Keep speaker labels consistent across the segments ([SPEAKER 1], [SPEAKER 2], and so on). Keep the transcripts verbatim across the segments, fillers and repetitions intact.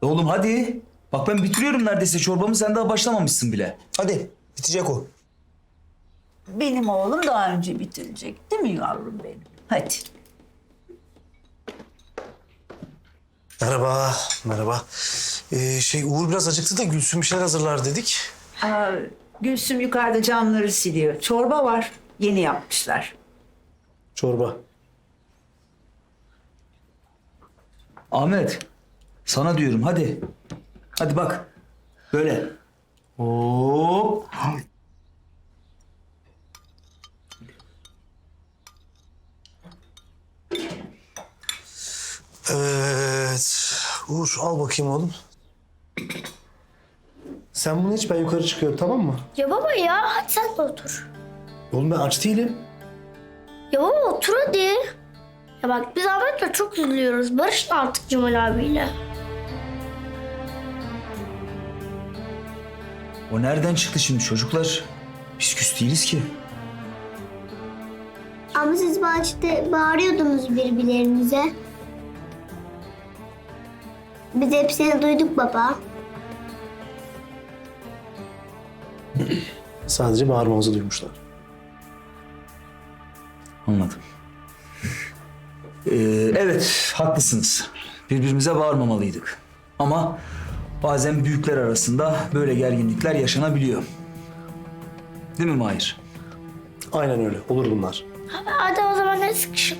[SPEAKER 1] Oğlum hadi. Bak ben bitiriyorum neredeyse çorbamı, sen daha başlamamışsın bile. Hadi, bitecek o.
[SPEAKER 2] Benim oğlum daha önce bitirecek değil mi yavrum benim? Hadi.
[SPEAKER 3] Merhaba, merhaba. Ee, şey Uğur biraz acıktı da Gülsüm bir şeyler hazırlar dedik.
[SPEAKER 2] Aa, Gülsüm yukarıda camları siliyor. Çorba var. Yeni yapmışlar.
[SPEAKER 3] Çorba.
[SPEAKER 1] Ahmet, sana diyorum hadi. Hadi bak. Böyle. Hop.
[SPEAKER 3] Evet. Uğur al bakayım oğlum. Sen bunu iç, ben yukarı çıkıyorum, tamam mı?
[SPEAKER 4] Ya baba ya hadi sen de otur.
[SPEAKER 3] Oğlum ben aç değilim.
[SPEAKER 4] Ya baba otur hadi. Ya bak biz Ahmet'le çok üzülüyoruz. Barışın artık Cemal abiyle.
[SPEAKER 1] O nereden çıktı şimdi çocuklar? Biz küs değiliz ki.
[SPEAKER 5] Ama siz bahçede bağırıyordunuz birbirlerinize. Biz hepsini duyduk baba.
[SPEAKER 3] Sadece bağırmamızı duymuşlar.
[SPEAKER 1] Anladım. Ee, evet, haklısınız. Birbirimize bağırmamalıydık. Ama bazen büyükler arasında böyle gerginlikler yaşanabiliyor. Değil mi Mahir?
[SPEAKER 3] Aynen öyle, olur bunlar.
[SPEAKER 4] Hadi, hadi o zaman hadi sıkışın.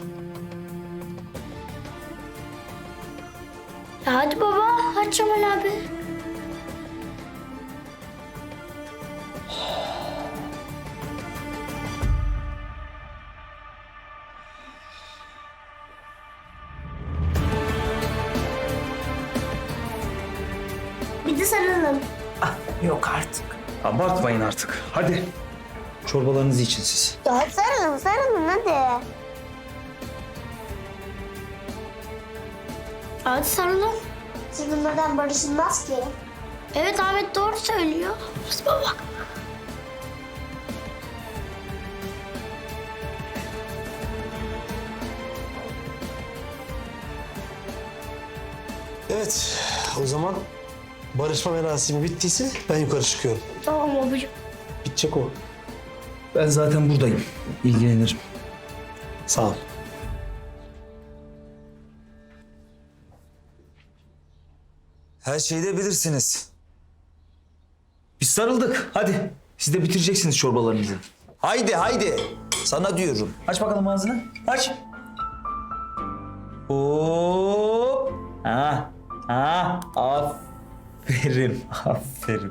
[SPEAKER 4] Ya hadi baba hadi Cemal abi.
[SPEAKER 5] Bir de sarılın.
[SPEAKER 2] Ah, yok artık.
[SPEAKER 1] Abartmayın artık. Hadi. Çorbalarınızı için siz.
[SPEAKER 5] Ya hadi sarılın sarılın hadi.
[SPEAKER 4] Hadi sarılın.
[SPEAKER 5] Sarılmadan barışılmaz ki.
[SPEAKER 4] Evet Ahmet doğru söylüyor. Hadi baba.
[SPEAKER 3] Evet, o zaman barışma merasimi bittiyse ben yukarı çıkıyorum.
[SPEAKER 4] Tamam babacığım.
[SPEAKER 3] Bitecek o.
[SPEAKER 1] Ben zaten buradayım. İlgilenirim.
[SPEAKER 3] Sağ ol.
[SPEAKER 1] Her şeyi de bilirsiniz. Biz sarıldık. Hadi. Siz de bitireceksiniz çorbalarınızı. Haydi haydi. Sana diyorum. Aç bakalım ağzını. Aç. Hop. Ha. Ha. Aferin. Aferin.